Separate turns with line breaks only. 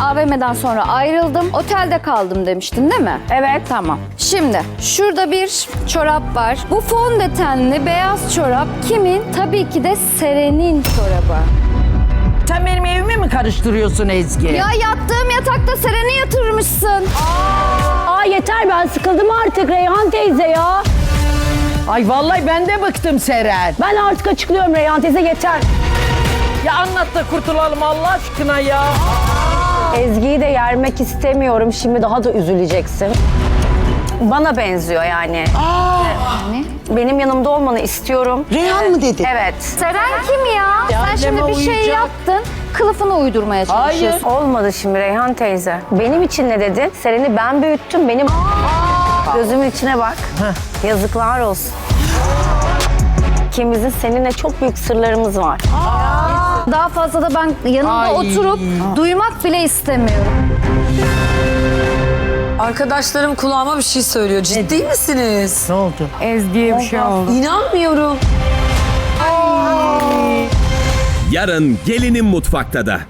AVM'den sonra ayrıldım. Otelde kaldım demiştin değil mi?
Evet.
Tamam. Şimdi şurada bir çorap var. Bu fondötenli beyaz çorap kimin? Tabii ki de Seren'in çorabı.
Sen benim evimi mi karıştırıyorsun Ezgi?
Ya yattığım yatakta Seren'i yatırmışsın.
Aa yeter, ben sıkıldım artık Reyhan teyze ya.
Ay vallahi ben de bıktım Seren.
Ben artık açıklıyorum Reyhan teyze, yeter.
Ya anlat da kurtulalım Allah aşkına ya.
Ezgi'yi de yermek istemiyorum. Şimdi daha da üzüleceksin. Bana benziyor yani. Benim yanımda olmanı istiyorum.
Reyhan mı dedi?
Evet.
Seren kim ya? Sen
anneme
şimdi bir şey
uyuyacak.
yaptın. Kılıfını uydurmaya çalışıyorsun.
Olmadı şimdi Reyhan teyze. Benim için ne dedin? Seren'i ben büyüttüm. Benim gözümün içine bak. Yazıklar olsun. İkimizin seninle çok büyük sırlarımız var.
Daha fazla da ben yanında
Ay.
oturup duymak bile istemiyorum.
Arkadaşlarım kulağıma bir şey söylüyor. Ciddi misiniz?
Ne oldu?
Ezgi'ye bir şey oldu.
İnanmıyorum.
Yarın gelinin mutfakta da.